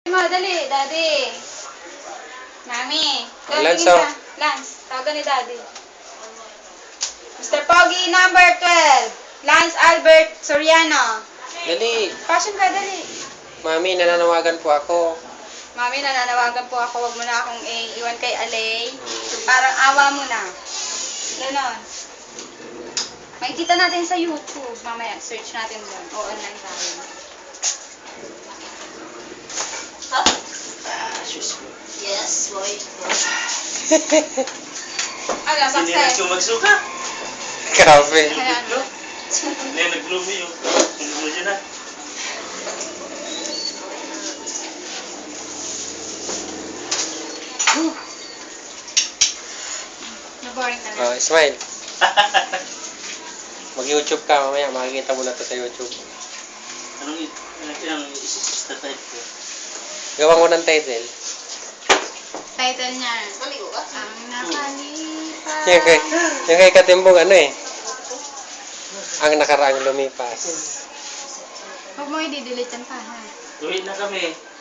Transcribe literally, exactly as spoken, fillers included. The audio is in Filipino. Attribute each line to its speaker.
Speaker 1: Mo, dali, daddy. Mami.
Speaker 2: Lance,
Speaker 1: tingin
Speaker 2: oh.
Speaker 1: ka. Lance, tawagan ni daddy. mister Pogi, number twelve. Lance Albert Soriano.
Speaker 2: Dali.
Speaker 1: Passion ka, dali.
Speaker 2: Mami, nananawagan po ako.
Speaker 1: Mami, nananawagan po ako. Huwag mo na akong iwan kay Alay. Parang awa mo na. Ganon. Makikita natin sa YouTube. Mamaya, search natin doon. O online tayo.
Speaker 3: Huh? Yes, boy.
Speaker 1: Ano,
Speaker 4: Hindi na
Speaker 1: success.
Speaker 4: ito magsuka.
Speaker 2: Grabe.
Speaker 1: Ayan.
Speaker 4: Hindi na nag-bloom yun. Nag-bloom dyan na.
Speaker 1: Na-boring ka na.
Speaker 2: Oh, smile. Mag-YouTube ka mamaya. Makikita mo na to sa YouTube.
Speaker 4: Anong anong isi-type ko?
Speaker 2: Gawa ko ng title.
Speaker 1: Title niya.
Speaker 3: Maligo ka?
Speaker 1: Ang nakalipas.
Speaker 2: Yung kay, yung kay Katimbong ano eh. Ang nakaraang lumipas.
Speaker 1: Huwag mo i-delete yan pa, ha?
Speaker 4: Tuwid na kami.